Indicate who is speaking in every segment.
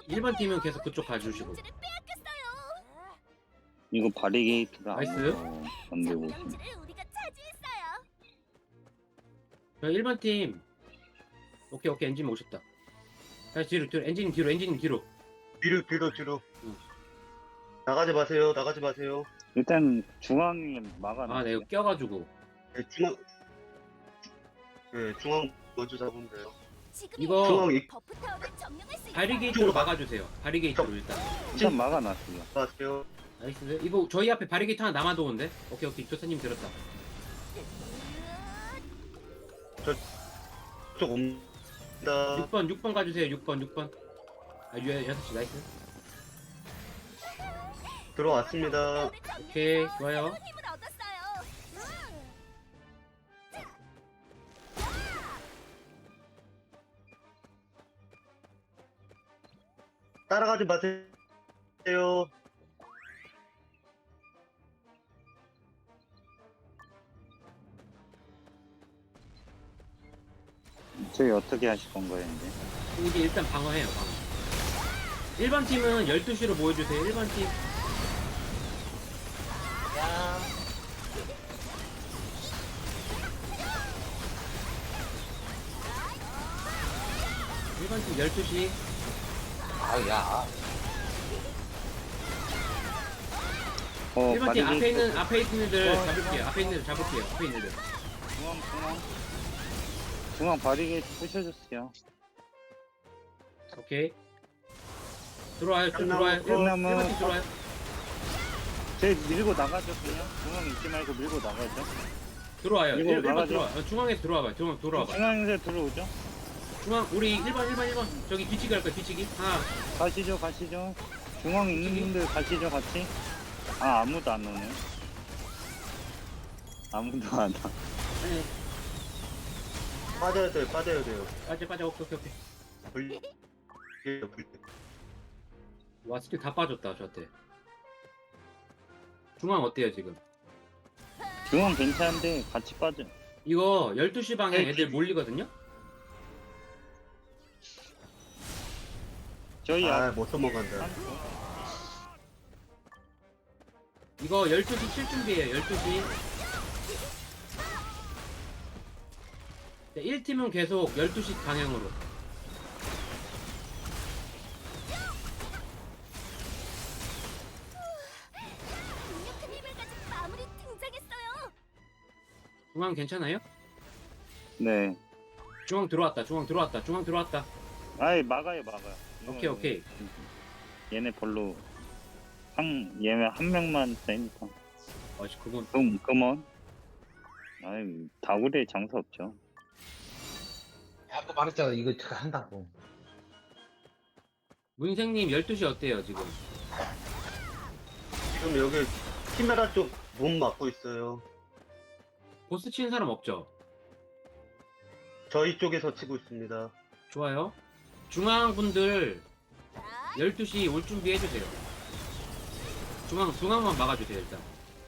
Speaker 1: 1번 팀은 계속 그쪽 가주시고.
Speaker 2: 경주를 빼앗겼어요.
Speaker 3: 이거 바리게이트가
Speaker 1: 나이스.
Speaker 3: 안 되고 있어.
Speaker 2: 경주를 우리가 차지했어요.
Speaker 1: 자, 1번 팀. 오케이, 엔진 오셨다. 다시 뒤로, 엔진 뒤로.
Speaker 4: 뒤로.
Speaker 1: 응.
Speaker 4: 나가지 마세요. 나가지 마세요.
Speaker 3: 일단 중앙에 막아놔.
Speaker 1: 아, 내가 껴가지고.
Speaker 4: 네, 중앙 먼저 잡으면 돼요.
Speaker 1: 이거
Speaker 4: 중앙
Speaker 2: 버프 타워를 점령할 수 있어요.
Speaker 1: 바리게이트로 막아주세요. 바리게이트로 일단.
Speaker 3: 일단 막아놨어요.
Speaker 4: 마세요.
Speaker 1: 나이스. 이거 저희 앞에 바리게이트 하나 남아도 오는데? 오케이, 조사님 들었다.
Speaker 4: 쪽 옵니다.
Speaker 1: 6번 가주세요. 6번. 아, 6시, 나이스.
Speaker 4: 들어왔습니다.
Speaker 1: 오케이, 좋아요.
Speaker 2: 힘을 얻었어요.
Speaker 4: 따라가지 마세요.
Speaker 3: 저희 어떻게 하실 건가요, 이제?
Speaker 1: 이게 일단 방어해요, 방어. 1번 팀은 12시로 모여주세요. 1번 팀. 일번팀 12시.
Speaker 5: 아야.
Speaker 1: 1번 팀
Speaker 3: 바리게이트.
Speaker 1: 앞에 있는 애들 잡을게요. 앞에 있는 애들.
Speaker 3: 중앙 바리게이트 부셔줬어요.
Speaker 1: 오케이. 들어와요. 쭉
Speaker 4: 끝나면
Speaker 1: 들어와요.
Speaker 3: 끝나면-
Speaker 1: 1번 팀 들어와요.
Speaker 3: 저희 밀고 나가죠, 그냥. 중앙 있지 말고 밀고 나가죠.
Speaker 1: 들어와요.
Speaker 3: 이거
Speaker 1: 1번
Speaker 3: 나가죠.
Speaker 1: 들어와. 중앙에서 들어와봐요. 들어와봐.
Speaker 3: 중앙에서 들어오죠.
Speaker 1: 중앙, 우리 1번. 저기 뒤치기 할 거야, 뒤치기. 하나.
Speaker 3: 가시죠. 중앙 있는 분들 가시죠, 같이. 아, 아무도 안 오네. 아무도 안 와.
Speaker 1: 아니,
Speaker 4: 빠져야 돼요.
Speaker 1: 빠져. 오케이.
Speaker 4: 불
Speaker 1: 와, 스킬 다 빠졌다, 저한테. 중앙 어때요, 지금?
Speaker 3: 중앙 괜찮은데 같이 빠져.
Speaker 1: 이거 12시 방에
Speaker 3: 네,
Speaker 1: 애들 몰리거든요?
Speaker 3: 저희 앞.
Speaker 4: 못 넘어간다.
Speaker 1: 이거 12시 칠 준비해요, 12시. 1팀은 계속 12시 방향으로.
Speaker 2: 강력한 힘을 가진 마무리 등장했어요.
Speaker 1: 중앙 괜찮아요?
Speaker 3: 네.
Speaker 1: 중앙 들어왔다.
Speaker 3: 아이, 막아요.
Speaker 1: 오케이.
Speaker 3: 얘네 별로. 얘네 한 명만 세니까.
Speaker 1: 그건
Speaker 3: 그만. 아이, 다구리에 장사 없죠.
Speaker 5: 아까 말했잖아. 이거 한다고.
Speaker 1: 문생님 12시 어때요, 지금?
Speaker 4: 지금 여기 키메라 쪽 몸 막고 있어요.
Speaker 1: 보스 치는 사람 없죠?
Speaker 4: 저희 쪽에서 치고 있습니다.
Speaker 1: 좋아요. 중앙 분들 12시 올 준비 해주세요. 중앙만 막아주세요, 일단.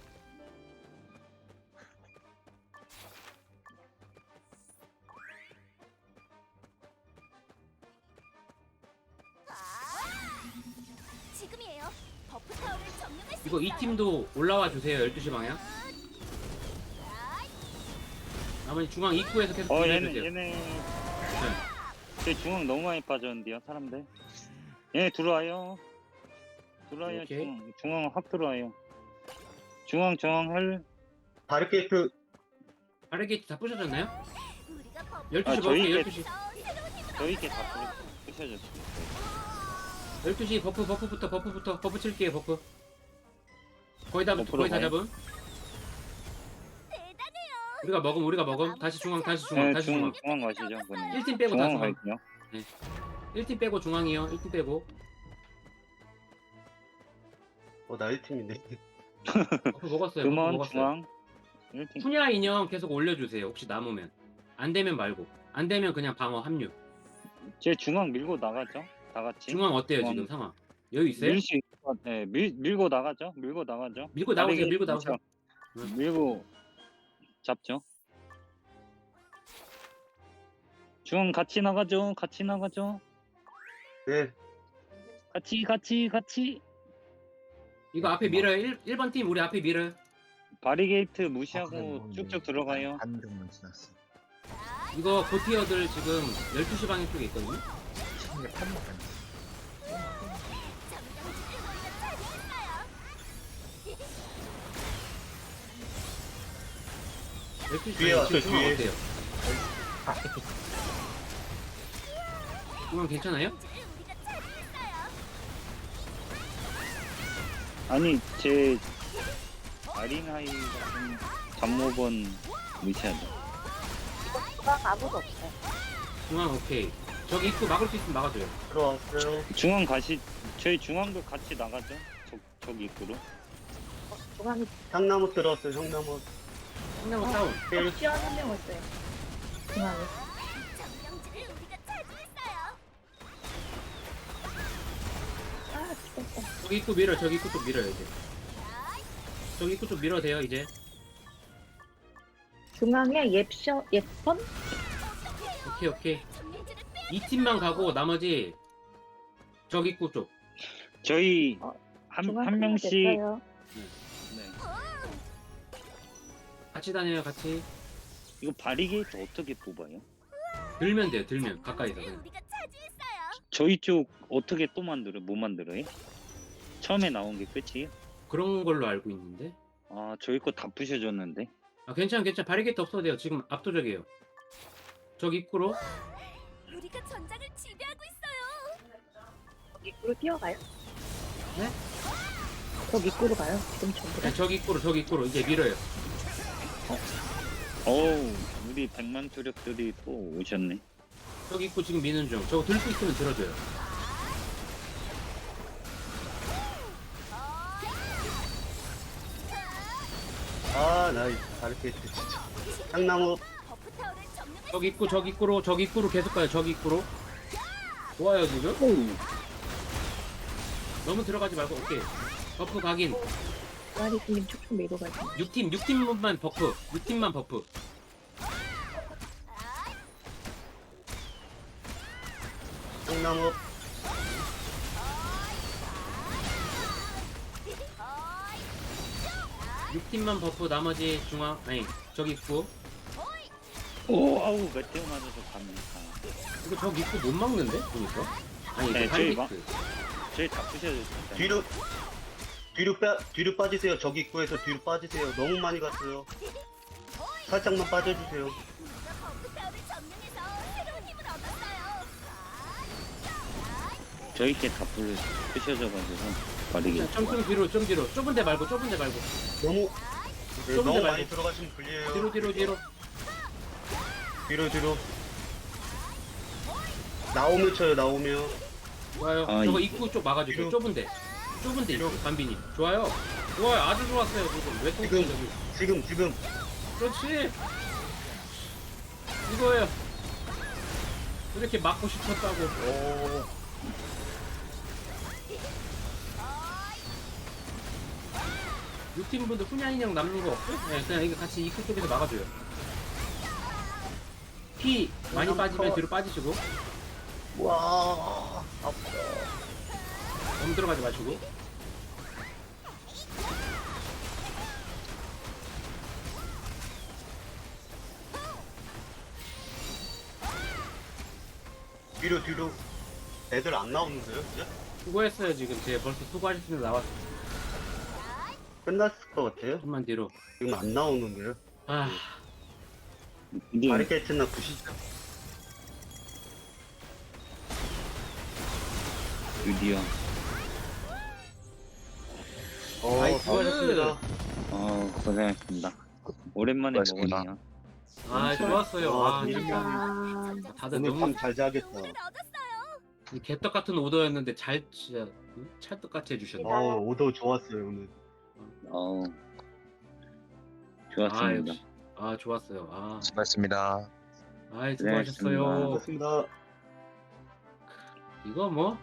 Speaker 2: 지금이에요. 버프 타워를 점령할 수
Speaker 1: 이거 이
Speaker 2: 있어요.
Speaker 1: 팀도 올라와 주세요, 12시 방향. 나머지 중앙 입구에서 계속
Speaker 3: 얘네.
Speaker 1: 해주세요.
Speaker 3: 네. 제 중앙 너무 많이 빠졌는데요, 사람들. 얘네 들어와요.
Speaker 1: 오케이.
Speaker 3: 중앙 확 들어와요. 중앙 할.
Speaker 4: 바리케이트
Speaker 1: 바르게이트 다 부셔졌나요?
Speaker 2: 우리가 버프
Speaker 1: 12시
Speaker 3: 아,
Speaker 1: 먹을게요,
Speaker 3: 저희
Speaker 1: 12시.
Speaker 2: 새로운 힘을
Speaker 3: 저희께 다 부셔졌어요.
Speaker 1: 12시 버프 칠게요, 버프. 거의 다
Speaker 3: 버프로 가요?
Speaker 1: 잡음.
Speaker 2: 대단해요.
Speaker 1: 우리가 먹음. 다시 중앙.
Speaker 3: 네, 중앙 가시죠. 그냥.
Speaker 1: 1팀 빼고 다
Speaker 3: 중앙
Speaker 1: 중앙.
Speaker 3: 갈게요.
Speaker 1: 1팀 빼고 중앙이요. 1팀 빼고.
Speaker 4: 나이 팀이네.
Speaker 1: 버프 먹었어요.
Speaker 3: 그만 중앙. 1팀.
Speaker 1: 푸냐 인형 계속 올려주세요. 혹시 남으면. 안 되면 말고. 안 되면 그냥 방어 합류.
Speaker 3: 제 중앙 밀고 나가죠. 다 같이.
Speaker 1: 중앙 어때요,
Speaker 3: 중앙.
Speaker 1: 지금 상황? 여유 있어요?
Speaker 3: 밀수 있을 것 같아. 밀고 나가죠. 밀고 나오세요.
Speaker 1: 밀고 나오세요.
Speaker 3: 밀고 잡죠. 중앙 같이 나가죠.
Speaker 4: 네.
Speaker 3: 같이.
Speaker 1: 이거 앞에 밀어요. 1번 팀 우리 앞에 밀어요.
Speaker 3: 바리게이트
Speaker 5: 아,
Speaker 3: 무시하고 쭉쭉 들어가요.
Speaker 5: 반 정도 지났어.
Speaker 1: 이거 고티어들 지금 12시 방향 쪽에 있거든요.
Speaker 5: 이게 판만 안 돼.
Speaker 4: 뒤에 왔어요,
Speaker 1: 중앙
Speaker 4: 뒤에.
Speaker 1: 어때요? 중앙 괜찮아요?
Speaker 2: 우리가 차지했어요.
Speaker 3: 아니 제 아린하이 같은 잠모번 무시하죠.
Speaker 6: 아무도 없어요.
Speaker 1: 중앙 오케이. 저기 입구 막을 수 있으면 막아줘요.
Speaker 4: 들어왔어요.
Speaker 3: 중앙 가시 저희 중앙도 같이 나가죠. 저기 입구로.
Speaker 6: 중앙에
Speaker 4: 향나무 들어왔어요, 향나무.
Speaker 1: 상나무 다운.
Speaker 6: 시원 한명 왔어요. 중앙에.
Speaker 2: 점령지를 우리가 차지했어요.
Speaker 6: 아, 죽었어.
Speaker 1: 저기 입구 밀어. 저기 입구 쪽 밀어요 이제. 저기 입구 쪽 밀어도 돼요 이제.
Speaker 6: 중앙에 예쁜?
Speaker 1: 오케이.
Speaker 2: 점령지를
Speaker 1: 이 팀만 가고 나머지 저기 입구 쪽.
Speaker 3: 저희
Speaker 6: 어,
Speaker 3: 한 명씩
Speaker 6: 됐어요.
Speaker 3: 네.
Speaker 1: 같이 다녀요 같이.
Speaker 3: 이거 바리게이트 어떻게 뽑아요?
Speaker 1: 들면 돼요 들면 가까이서
Speaker 2: 점령지를
Speaker 1: 그냥.
Speaker 2: 우리가 차지했어요.
Speaker 3: 저희 쪽 어떻게 또 만들어요? 뭐 만들어요? 처음에 나온 게 끝이에요?
Speaker 1: 그런 걸로 알고 있는데.
Speaker 3: 아 저희 거 다 부셔줬는데.
Speaker 1: 아 괜찮아 바리게이트 없어도 돼요. 지금 압도적이에요. 저기 입구로.
Speaker 2: 우리가 전장을 지배하고 있어요.
Speaker 6: 입구로 뛰어가요?
Speaker 1: 네?
Speaker 6: 저 입구로 가요. 지금 전부 다.
Speaker 1: 네, 저기 입구로 이제 밀어요.
Speaker 3: 어우 우리 100만 투력들이 또 오셨네.
Speaker 1: 저기 입구 지금 미는 중. 저거 들 수 있으면 들어줘요.
Speaker 4: 아, 나 바리케이트 진짜. 향나무.
Speaker 2: 버프 타워를 점령할
Speaker 1: 저기 입구로 계속 가요. 저기 입구로. 좋아요 지금. 너무 들어가지 말고 오케이. 버프 각인.
Speaker 6: 마리스님 쭉쭉 밀고 가요.
Speaker 1: 6팀만 버프. 6팀만 버프.
Speaker 4: 향나무.
Speaker 1: 육 팀만 버프 나머지 중앙 아니 저기 입구.
Speaker 3: 오 아우 메테오 맞아서 갑니다.
Speaker 1: 이거 저기 입구 못 막는데 보니까. 아니
Speaker 3: 네,
Speaker 1: 이거
Speaker 3: 저희
Speaker 1: 하이비트.
Speaker 3: 저희 다 부셔줬어요.
Speaker 4: 뒤로 빠지세요. 저기 입구에서 뒤로 빠지세요. 너무 많이 갔어요. 살짝만 빠져주세요.
Speaker 2: 우리가 버프 타워를 점령해서 새로운 힘을 얻었어요.
Speaker 3: 저희 게다 부셔져가지고 바리게이트.
Speaker 1: 좀 뒤로 좁은 데 말고
Speaker 4: 너무, 네,
Speaker 1: 좁은 데
Speaker 4: 너무 많이
Speaker 1: 말고.
Speaker 4: 들어가시면 불리해요.
Speaker 1: 뒤로.
Speaker 4: 뒤로. 나오면 쳐요, 나오면.
Speaker 1: 좋아요.
Speaker 3: 아,
Speaker 1: 저거
Speaker 3: 이-
Speaker 1: 입구 쪽 막아주세요.
Speaker 4: 뒤로.
Speaker 1: 좁은데
Speaker 4: 뒤로.
Speaker 1: 입구 반비님. 좋아요. 아주 좋았어요 지금. 왜 또
Speaker 4: 지금.
Speaker 1: 저기.
Speaker 4: 지금.
Speaker 1: 그렇지. 이거예요. 이렇게 막고 싶었다고.
Speaker 4: 오.
Speaker 1: 육팀 분들 훈양 인형 남는 거 없어요? 네, 그냥 이거 같이 입구 쪽에서 막아줘요. 피 많이 빠지면 뒤로 빠지시고
Speaker 4: 와. 아파.
Speaker 1: 너무 들어가지 마시고.
Speaker 4: 뒤로. 애들 안 나오는데요, 이제?
Speaker 1: 수고했어요 지금. 제가 벌써 수고하셨으면 나왔어.
Speaker 4: 끝났을 것 같아요.
Speaker 1: 좀만 뒤로.
Speaker 4: 지금 안 나오는데요.
Speaker 1: 아
Speaker 3: 이게
Speaker 4: 바리케이트나 부시죠.
Speaker 3: 드디어.
Speaker 1: 나이스.
Speaker 4: 수고하셨습니다.
Speaker 3: 고생하셨습니다. 오랜만에
Speaker 5: 수고하셨습니다.
Speaker 3: 먹으네요.
Speaker 1: 좋았어요.
Speaker 4: 와,
Speaker 1: 진짜
Speaker 6: 아,
Speaker 1: 다들
Speaker 4: 오늘
Speaker 1: 너무
Speaker 4: 밤 잘 자겠다.
Speaker 2: 힘을 얻었어요.
Speaker 1: 개떡 같은 오더였는데 진짜 찰떡같이 해주셨네.
Speaker 4: 오더 좋았어요, 오늘.
Speaker 3: 어우 좋았습니다.
Speaker 1: 역시. 좋았어요.
Speaker 5: 수고하셨습니다.
Speaker 1: 수고하셨어요.
Speaker 4: 수고하셨습니다.
Speaker 1: 이거 뭐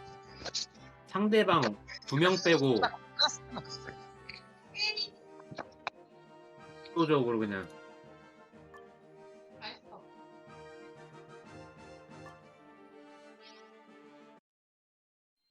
Speaker 1: 상대방 2명 빼고 압도적으로 그냥